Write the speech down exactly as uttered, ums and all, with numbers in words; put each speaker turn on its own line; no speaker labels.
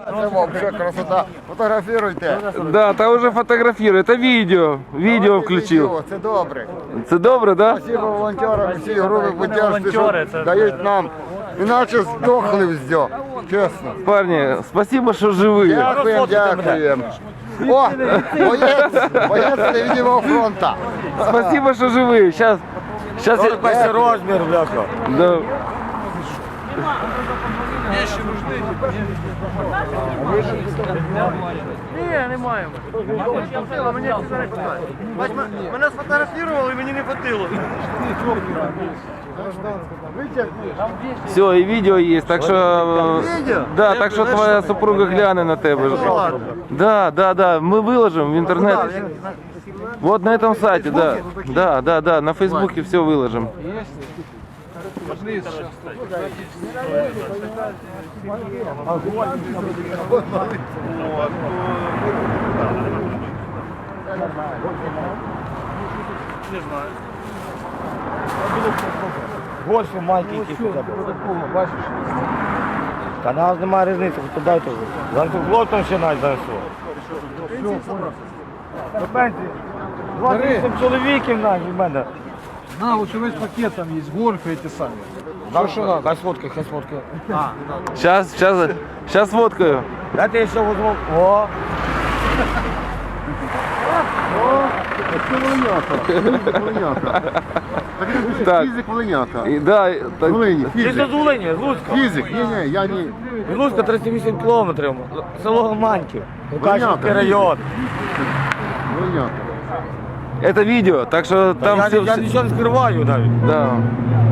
Это вообще красота. Фотографируйте.
Да, та уже фотографірую. Це відео. Відео включив.
Це добре.
Це добре, да?
Спасибо волонтерам, всі групи поддержки, що дають нам. Іначе здохли вздьо. Чесно.
Парні, спасибо, що живі.
Дякуємо, дякуємо. О, боєць, боєць невидимого фронту.
Спасибо, що живі. Сейчас, сейчас я...
Весь розмір, бляха.
Да.
Ні, не маємо. Мене сфотографували і мені не хватило.
Все, і відео є, так що... Да, так що твоя супруга гляне на тебе. Да, да, да, ми виложимо в інтернет. Вот на этом сайте, да. Да, да, да, на Фейсбуке все выложим.
Не знаю.
Гольфи маленький сюди. Бачиш? Та нас немає різниці, то дайте. Занцуглотом ще навіть занесло. До пенсії. двадцять вісім чоловіків навіть в мене.
На, вот весь пакет там есть, гольфы эти сами.
Да, що надо? Хай сфоткай, хай сфоткай.
Сейчас, сейчас, сейчас фоткаю.
Дайте я ще возьму. О!
Так.
Фізик Волиняка.
И, да, и- так,
Волині,
Ти
фізик.
з Волині, з Луцька.
Фізик, ні, ні, я не.
З Луцька тридцять вісім кілометрів. Село Маньків. Лукашівський район.
Волиняка.
это видео, так что
Та
там
я,
все...
я нічого не скриваю навіть.
Да.